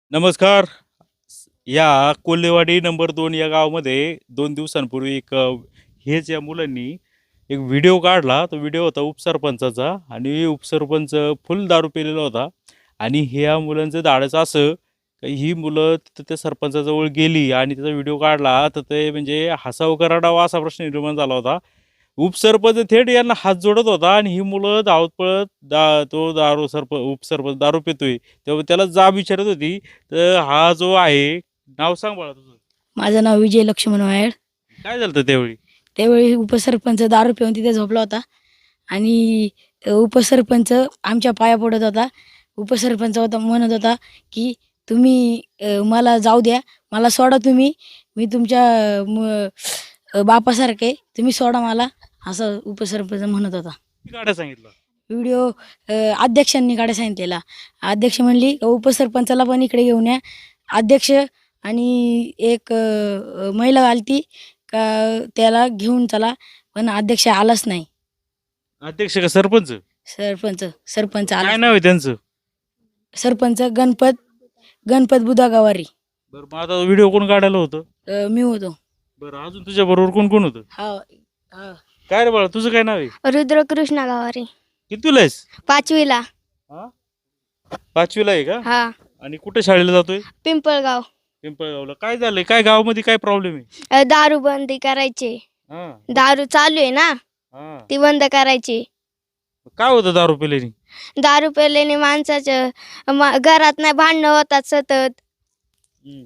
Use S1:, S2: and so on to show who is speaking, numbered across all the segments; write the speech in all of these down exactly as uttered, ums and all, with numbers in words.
S1: नमस्कार. या कोल्हेवाडी नंबर दोन या गावामध्ये दोन दिवसांपूर्वी एक अ, हेच या मुलांनी एक व्हिडिओ काढला. तो व्हिडिओ होता उपसरपंचाचा आणि उपसरपंच फुल दारू पिलेला होता आणि ह्या मुलांचं धाडस असं का ही मुलं तिथं त्या सरपंचाजवळ गेली आणि त्याचा व्हिडिओ काढला, तर ते म्हणजे हसावं का रडावं असा प्रश्न निर्माण झाला होता. उपसरपंच थेट यांना हात जोडत होता आणि ही मुलं धावत पळत दा तो दारू सरप उपसरपंच दारू पितोय तेव्हा त्याला जाब विचारत होती. तर हा जो आहे, नाव सांग बाळा तुझं.
S2: माझं नाव विजय लक्ष्मण वायड.
S1: काय झालं होतं त्यावेळी?
S2: त्यावेळी उपसरपंच दारू पिऊन तिथे झोपला होता आणि उपसरपंच आमच्या पाया पडत होता. उपसरपंच होता म्हणत होता की तुम्ही अ, मला जाऊ द्या, मला सोडा, तुम्ही मी तुमच्या म- अ, बापासारखे, तुम्ही सोडा मला, असं उपसरपंच म्हणत होता.
S1: किती गाड्या सांगितलं?
S2: व्हिडिओ अ, अध्यक्षांनी काढायला सांगितलेला. अध्यक्ष म्हणली "का उपसरपंचाला पण इकडे घेऊन या." अध्यक्ष आणि एक अ, महिला आलती का त्याला घेऊन चला, पण अध्यक्ष आलाच नाही.
S1: अध्यक्ष का सरपंच?
S2: सरपंच सरपंच आला.
S1: काय नाव आहे त्यांचं?
S2: सरपंच गणपत गणपत बुधा गवारी.
S1: बरं, मग आता व्हिडिओ कोण काढायला होतं?
S2: अ, मी होतो.
S1: बरं, अजून तुझ्या बरोबर कोण कोण होतं?
S2: हा हा
S1: काय रे बाळा, तुझं काय नाव आहे?
S3: रुद्रकृष्ण गावारी,
S1: कितवीला आहेस?
S3: पाचवीला.
S1: हा, पाचवीला आहे का?
S3: हा,
S1: आणि कुठे शाळेला जातोय?
S3: पिंपळगाव.
S1: पिंपळगावला. काय झालंय? काय गावामध्ये काय प्रॉब्लेम आहे?
S3: अ, दारू बंदी करायची.
S1: हा
S3: दारू चालू आहे ना,
S1: हा.
S3: ती बंद करायची.
S1: काय होतं दारू पिल्याने?
S3: दारू पेल्याने माणसाचं म- घरात नाही भांडणं होतात सतत.
S1: हम्म.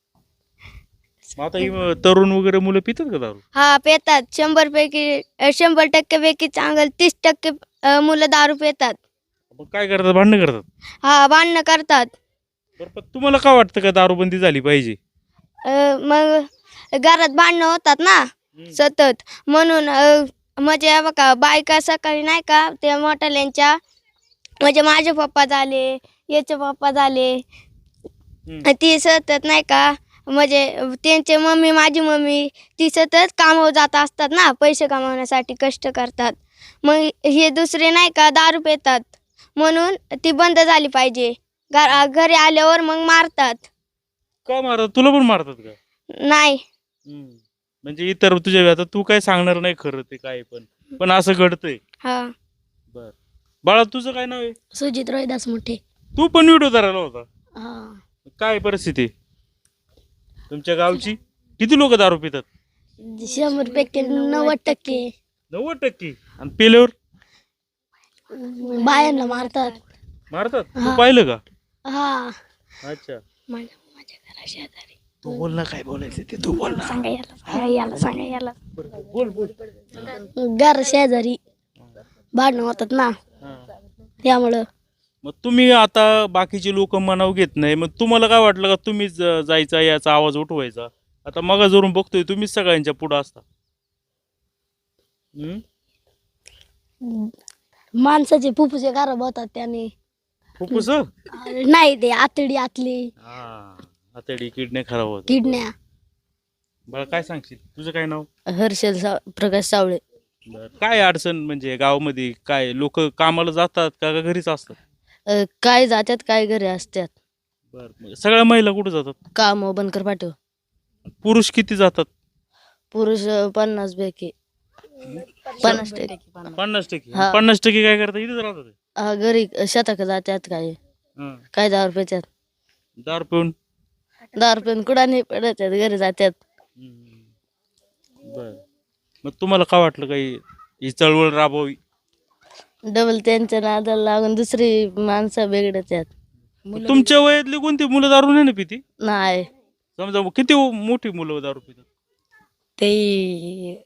S1: मग आता ही म- तरुण वगैरे मुलं पितात का दारू?
S3: हा, पेतात. शंभर पैकी अ, शंभर टक्के पैकी चांगलं तीस टक्के अ, मुलं दारू पेतात.
S1: मग काय करतात? भांडणं करतात?
S3: हा, भांडणं करतात.
S1: बरं, पण तुम्हाला काय वाटतं का दारूबंदी झाली पाहिजे?
S3: अ, मग घरात भांडणं होतात ना सतत, म्हणून अ, म्हणजे हे बघा, बायका सकाळी नाही का ते मोठ्याल्यांच्या, म्हणजे माझे पप्पा झाले, याचे पप्पा झाले,
S1: हम्म.
S3: ती सतत नाही का, म्हणजे त्यांचे मम्मी, माझी मम्मी, ती सतत कामावर जात असतात ना, पैसे कमावण्यासाठी कष्ट करतात. मग हे दुसरे नाही का दारू पितात, म्हणून ती बंद झाली पाहिजे. घर घरी आल्यावर मग मारतात.
S1: का मारतात? तुला पण मारतात का?
S3: नाही.
S1: हम्म. म्हणजे इतर तुझ्या, आता तू काय सांगणार नाही खरं ते काय, पण पण असं घडतंय.
S3: हा,
S1: बर, बाळा तुझं काय नाव आहे?
S2: सुजित रोहिदास मोठे.
S1: तू पण व्हिडिओ धरायला होता?
S2: हा,
S1: काय परिस्थिती तुमच्या गावची? किती लोक दारू पितात?
S2: शंभर पैकी नव्वद टक्के
S1: नव्वद टक्के. आणि पेल्यावर
S2: बायांना मारतात.
S1: मारतात? तू पाहिलं का?
S2: हा,
S1: अच्छा.
S2: माझ्या घरा शेजारी.
S1: तू बोल ना, काय बोलायचं ते तू बोल ना.
S2: सांगा याला, सांगा याला, सांगा याला.
S1: बोल बोल.
S2: घर शेजारी भांडणं होतात ना,
S1: हा.
S2: त्यामुळं.
S1: मग तुम्ही आता बाकीचे लोक मनाव घेत नाही, मग तुम्हाला काय वाटलं का तुम्हीच ज- जायचा, याचा आवाज उठवायचा? आता मग जरून बघतोय तुम्हीच सगळ्यांच्या पुढं असता. हम्म?
S2: माणसाचे फुफ्फुसे खराब होतात त्याने.
S1: फुफ्फुस?
S2: नाही, ते आतडी आतली
S1: हा, आतडी किडने खराब होत.
S2: किडण्या.
S1: बरं, काय सांगशील? तुझं काय नाव?
S2: हर्षल सा प्रकाश सावळे.
S1: बरं, काय अडचण म्हणजे गावामध्ये काय लोक कामाला जातात का का घरीच असतात?
S2: अ, काय जात्यात, काय घरी असतात.
S1: बरं, मग सगळ्या महिला कुठे जातात?
S2: काम बनकर पाठव.
S1: पुरुष किती जातात?
S2: पुरुष अ, पन्नास पैकी पन्नास टक्के.
S1: पन्नास टक्के.
S2: हा.
S1: पन्नास टक्के काय करतात? इथेच राहतात.
S2: हा, घरी शेताक जात्यात, काय
S1: हं.
S2: काय दहा रुपयाच्यात
S1: दारू पिऊन.
S2: दहा रुपये कुठं नाही पडतात, घरी जात्यात.
S1: बर, मग तुम्हाला काय वाटलं काही ही चळवळ राबवावी?
S2: डबल त्यांच्या नादाला लागून दुसरी माणसं बिघडत्यात.
S1: तुमच्या वयातली कोणती मुलं दारू नाही ना पिती?
S2: नाही,
S1: समजा किती मोठी मुलं दारू पितात?
S2: ते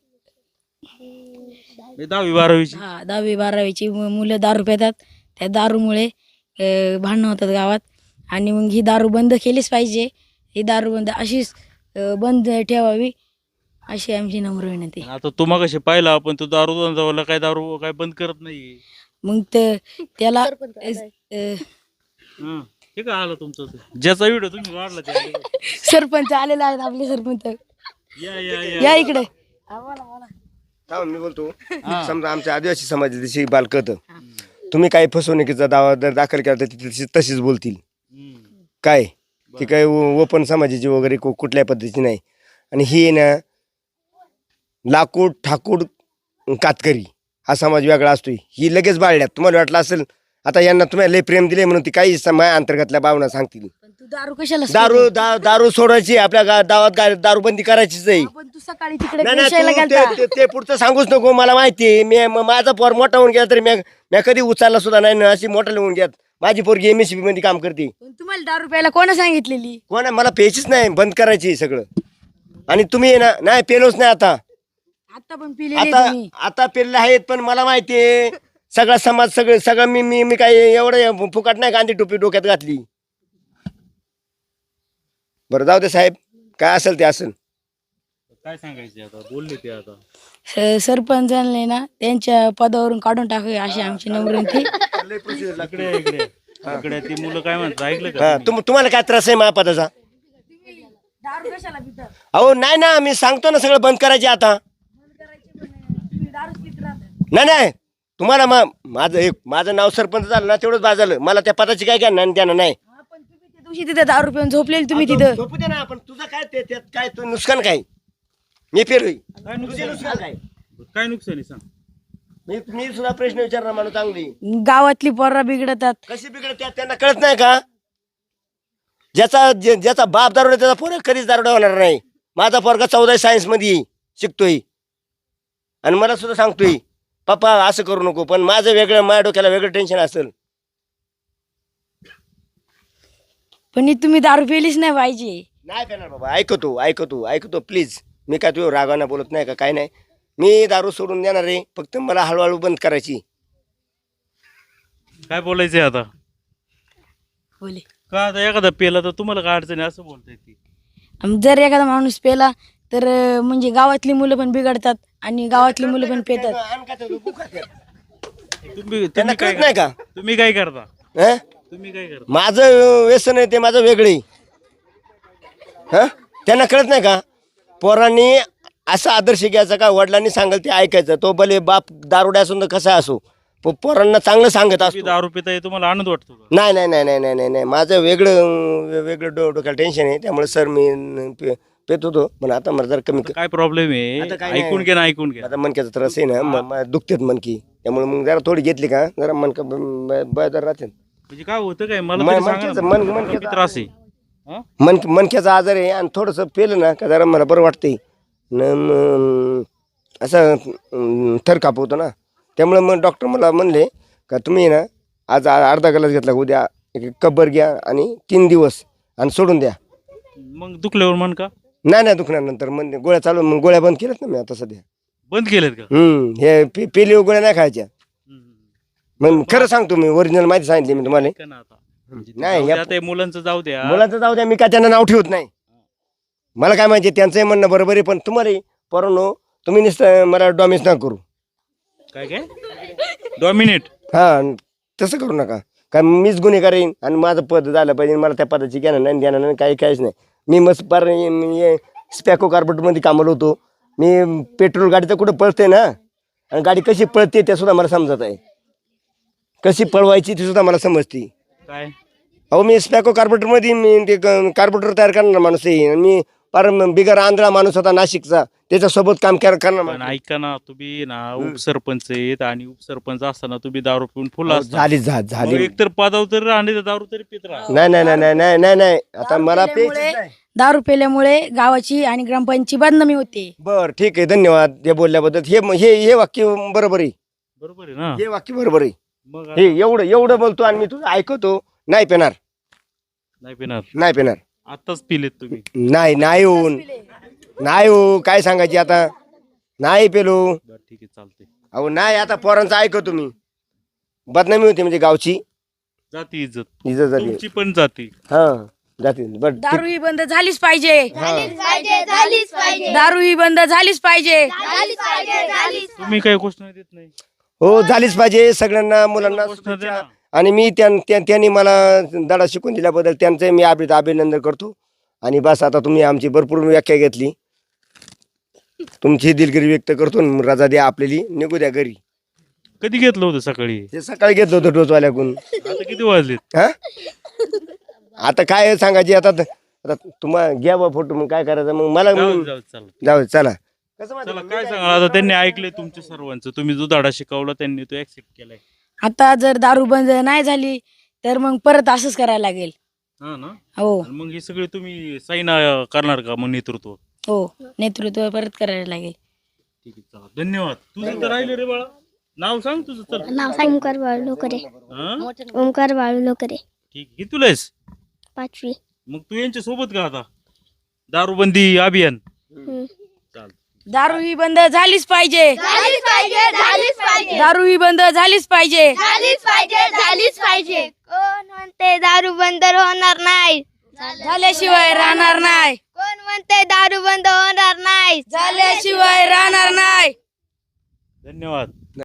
S1: हे दहावी बारावीची.
S2: हा, दहावी बारावीची मु- मुलं दारू पितात. त्या दारूमुळे अ, भांडणं होतात गावात. आणि मग ही दारू बंद केलीच पाहिजे. ही दारू बंद अशीच अ, बंद ठेवावी, अशी आमची नम्र विनंती.
S1: आता तुम्हा कशी पाहिला आपण, तो दारू धंदावाला काय दारू काय बंद करत नाही.
S2: मग ते त्याला अ,
S1: हं. हे काय आलं तुमचं ते? ज्याचा व्हिडिओ तुम्ही काढला ते आले का?
S2: सरपंच आलेला आहेत, आपले सरपंच.
S1: या या या
S2: या इकडे.
S4: थांब, मी बोलतो. समजा आमच्या आदिवासी समाजाची बालकत, तुम्ही काही फसवणुकीचा दावा जर दाखल केला तर ती तशी- तशीच बोलतील.
S1: हम्म.
S4: काय ती काही ओपन समाजाची वगैरे कु- कुठल्या पद्धतीची नाही. आणि ही आहे ना लाकूड ठाकूड कातकरी हा समाज वेगळा असतो. ही लगेच बाळल्यात. तुम्हाला वाटलं असेल आता यांना तुम्हाला लय प्रेम दिले म्हणून ती काही समाज अंतर्गतल्या भावना सांगतील.
S2: पण तू दारू कशाला
S4: दारू दा, दारू सोडायची आपल्या गा- गावात गा- दारूबंदी करायचीच आहे.
S2: पण तू सकाळी तिकडे
S4: नाही नाही,
S2: पेशायला
S4: तू
S2: गेलता.
S4: ते- ते- ते पुढचं सांगूच नको. मला माहिती आहे. मी म- माझा पोर मोठा होऊन गेला तरी मी मी कधी उचलला सुद्धा नाही ना. अशी मोठा होऊन गेला. माझी पोरगी एम एस सी बी मध्ये काम करते.
S2: पण तुम्हाला दारू प्यायला कोणा सांगितलेली?
S4: कोण आहे? मला प्यायचीच नाही, बंद करायची सगळं. आणि तुम्ही आहे ना नाही पेलोच नाही आता.
S2: आता पण पिलेली
S4: आता
S2: तुम्ही.
S4: आता पेरले आहेत पण मला माहिती आहे सगळा समाज सगळं सगळं मी मी मी काय एवढं फुकट नाही गांधी टोपी डोक्यात घातली. बरं जाऊ दे साहेब, काय असेल ते असेल.
S1: काय सांगायचे आता, बोलले ते आता.
S2: स- सरपंचांनी ना त्यांच्या पदावरून काढून टाकूया अशी आमची नम्र विनंती.
S1: इकडे इकडे इकडे ती मुलं काय म्हणतात ऐकलं
S4: हा,
S1: का?
S4: तुम तुम्हाला काय त्रास आहे महापदाचा?
S2: दारू कशाला पिता?
S4: अहो नाही ना, मी सांगतो ना सगळं बंद करायचे आता. नाही नाही, तुम्हाला मग माझं एक माझं नाव सरपंच झालं ना तेवढंच बाद झालं. मला त्या पदाची काय घ्या ना त्यानं नाही.
S2: पण तुम्ही त्या दिवशी तिथे दारू पिऊन झोपलेली तुम्ही तिथं.
S4: झोपू दे ना, पण तुझं काय ते त्यात काय तू नुकसान काय? मी फिरवी
S1: काय
S4: तुझे
S1: नुकसान
S4: नुकसान काय?
S1: काय नुकसान आहे सांग.
S4: मी मी सुद्धा प्रश्न विचारणार मला चांगली.
S2: गावातली पोरं बिघडतात.
S4: कशी बिघडत त्यात त्यांना कळत नाही का? ज्याचा जे- ज्याचा बाप दारोडा त्याचा पोरगा कधीच दारोडा होणार नाही. माझा पोरगा चौदा सायन्स मध्ये शिकतोय आणि मला सुद्धा सांगतोय पप्पा असं करू नको. पण माझं वेगळं, माझ्या डोक्याला वेगळं टेन्शन असेल.
S2: पण ही तुम्ही दारू पिलीच नाही पाहिजे.
S4: नाही पेणार बाबा, ऐकतो ऐकतो ऐकतो प्लीज. मी काय तुझ्या रागाना बोलत नाही का काय नाही. मी दारू सोडून देणार आहे, फक्त मला हळूहळू बंद करायची.
S1: काय बोलायचंय आता?
S2: बोले.
S1: का आता एखादा पेला तर तुम्हाला काय अडचण आहे असं बोलताय ती?
S2: आम- जर एखादा माणूस पेला तर अं, म्हणजे गावातली मुलं पण बिघडतात आणि गावातली मुलं पण पेतात.
S1: तुम्ही
S4: त्यांना
S1: तुम्ही काय
S4: कळत नाही का?
S1: तुम्ही काय करता?
S4: हं?
S1: तुम्ही काय करता?
S4: माझं व्यसन आहे ते माझं वेगळे. हा, त्यांना कळत नाही का? पोरांनी असा आदर्श घ्यायचा का वडिलांनी सांगेल ते ऐकायचं. तो भले बाप दारुड्या असून तर कसा असो, प- पोरांना चांगलं सांगत
S1: तुम्ही
S4: असतो.
S1: दारू पिताय तुम्हाला आनंद वाटतो का?
S4: नाही नाही नाही नाही नाही नाही नाही माझं वेगळं अं, वेगळं डो डोक्याला टेन्शन आहे. त्यामुळे सर मी अं, पे- पेत होतो पण आता मला जरा कमी.
S1: आता काय प्रॉब्लेम
S4: आता काय
S1: आहे
S4: नाही.
S1: ऐकून घ्या ना ऐकून घ्या.
S4: आता मनक्याचा त्रास आहे ना, म- म- दुखतेत मनकी. त्यामुळे मग जरा थोडी घेतली का जरा मनका बदर राहते.
S1: म्हणजे काय होतं काय मला
S4: मन-
S1: तरी सांगा
S4: मनक्याचं-
S1: ना.
S4: मन-
S1: मला
S4: मनक्याचं-
S1: किती त्रास आहे हा?
S4: मन मनक्याचा आजार आहे आणि थोडंसं पेलं ना का जरा मला बरं वाटतंय न म- असं अं, थर कापवतो ना. त्यामुळे मग डॉक्टर मला म्हणले का तुम्ही ना आज आ- अर्धा ग्लास घेतला, उद्या एक कब्बर घ्या आणि तीन दिवस आणि सोडून द्या.
S1: मग दुखल्यावर मन का
S4: नाही नाही दुखणार नंतर म्हणजे गोळ्या चालू, मग गोळ्या बंद केल्यात ना मी आता सध्या.
S1: बंद केलेत का?
S4: हम्म हे पे पेली गोळ्या नाही खायच्या.
S1: हम्म.
S4: मग खरं सांगतो मी, ओरिजिनल माहिती सांगितली मी तुम्हाला.
S1: ऐका ना आता म्हणजे ते
S4: नाही,
S1: जाऊ द्या,
S4: या-
S1: ते मुलांचं जाऊ द्या.
S4: मुलाचं जाऊ द्या, मी काय त्यांना नाव ठेवत नाही. मला काय माहिती त्यांचंही म्हणणं बरोबर आहे, पण तुम्हाला पोरांनो तुम्ही नुसतं मला डॉमिस ना करू.
S1: काय काय डॉमिनेट
S4: हा, तसं करू नका. कारण मीच गुन्हेगार येईन आणि माझं पद झालं पाहिजे. मला त्या पदाची ज्ञान नाही ज्ञान नाही काही काहीच नाही. मी मस्त पार स्पॅको कार्बोरेटमध्ये कामाला होतो. मी पेट्रोल गाडी तर कुठं पळते ना, आणि गाडी कशी पळते ते सुद्धा मला समजत आहे. कशी पळवायची ती सुद्धा मला समजते.
S1: काय
S4: अहो मी स्पॅको कार्बोरेटरमध्ये मी ते कार्बोरेटर तयार करणार माणूस आहे. आणि मी पार बिगर आंध्रा माणूस होता नाशिकचा, त्याच्यासोबत काम कर- करणार
S1: पण
S4: माणूस.
S1: ऐका ना तुम्ही ना उपसरपंच आहेत आणि उपसरपंच असताना तुम्ही दारू पिऊन फुल
S4: अहो,
S1: असता
S4: झाली झा- झाली
S1: एक तर पदावर तरी राहणे तर दारू तरी पित राहा.
S4: नाही नाही नाही नाही नाही नाही नाही आता
S2: दारू
S4: मला
S2: पिल्यामुळे-
S4: प्यायचीच नाही.
S2: दारू पेल्यामुळे गावाची आणि ग्रामपंचायतची बदनामी होते.
S4: बर ठीक आहे, धन्यवाद हे बोलल्याबद्दल. हे हे हे वाक्य बरोबर आहे.
S1: बरोबर आहे ना?
S4: हे वाक्य बरोबर आहे.
S1: मग
S4: हे
S1: आता
S4: एवढं एवढं बोलतो आणि मी तुझं ऐकतो. नाही पेणार,
S1: नाही पिणार
S4: नाही पेणार.
S1: आताच पिलेत तुम्ही.
S4: नाही नाही होऊन नाही हो, काय सांगायची आता. नाही पेलो.
S1: बरं ठीक आहे चालते.
S4: अहो नाही, आता पोरांचं ऐकतो मी. बदनामी होती म्हणजे गावची
S1: जाती इज्जत
S4: इज्जत झाली.
S1: तुमची पण जाती.
S4: हा जाती बर ठीक.
S2: दारू ही बंद झालीच पाहिजे.
S4: हा.
S3: पाहिजे झालीच पाहिजे
S2: दारू ही बंद झालीच पाहिजे.
S3: झालीच पाहिजे झालीच
S1: तुम्ही काही गोष्ट देत नाही.
S4: हो झालीच पाहिजे सगळ्यांना मुलांना
S1: गोष्ट द्या
S4: शुभेच्छा.
S1: ना.
S4: आणि मी त्यां- त्या- त्यांनी मला धडा शिकून दिल्याबद्दल त्यांचं मी अभि अभिनंदन करतो. आणि बस आता तुम्ही आमची भरपूर व्याख्या घेतली, तुमची दिलगिरी व्यक्त करतो. आणि रजा द्या आपल्याली, निघू द्या घरी.
S1: कधी घेतलं होतं सकाळी?
S4: ते सकाळी घेतलं होतं डोसवाल्याकडून.
S1: आता किती वाजलेत?
S4: हा आता काय सांगायची आता आता तुम्हाला घ्या बा फोटो मग काय करायचं मग मला
S1: जाऊ जाऊ चला
S4: जाऊ चला कसं माहिती
S1: चला
S4: का?
S1: काय सांगा आता त्यांनी ऐकले तुमच्या सर्वांचं तुम्ही जो धडा शिकवला त्यांनी तो ऍक्सेप्ट केलाय
S2: आता जर दारू बंद नाही झाली तर मग परत असंच करायला लागेल.
S1: हा ना
S2: हो
S1: आणि मग हे सगळे तुम्ही साईन करणार का मग नेतृत्व?
S2: हो नेतृत्व परत करायला लागेल.
S1: ठीक आहे चला धन्यवाद. तुझं तर राहिलं रे बाळा, नाव सांग तुझं. चल
S3: नाव ओंकार बाळू लोकरे.
S1: हा
S3: ओंकार बाळू लोकरे.
S1: ठीक आहे किती तुला आहेस?
S3: पाचवी.
S1: मग तू यांच्या सोबत का आता दारूबंदी अभियान? चाल
S2: दारू ही बंद झालीच पाहिजे.
S3: झालीच पाहिजे झालीच पाहिजे
S2: दारू ही बंद झालीच पाहिजे.
S3: झालीच पाहिजे झालीच पाहिजे. कोण म्हणते दारू बंद होणार नाही?
S2: झाल्याशिवाय राहणार नाही.
S3: कोण म्हणते दारू बंद होणार नाही?
S2: झाल्याशिवाय राहणार नाही.
S1: धन्यवाद.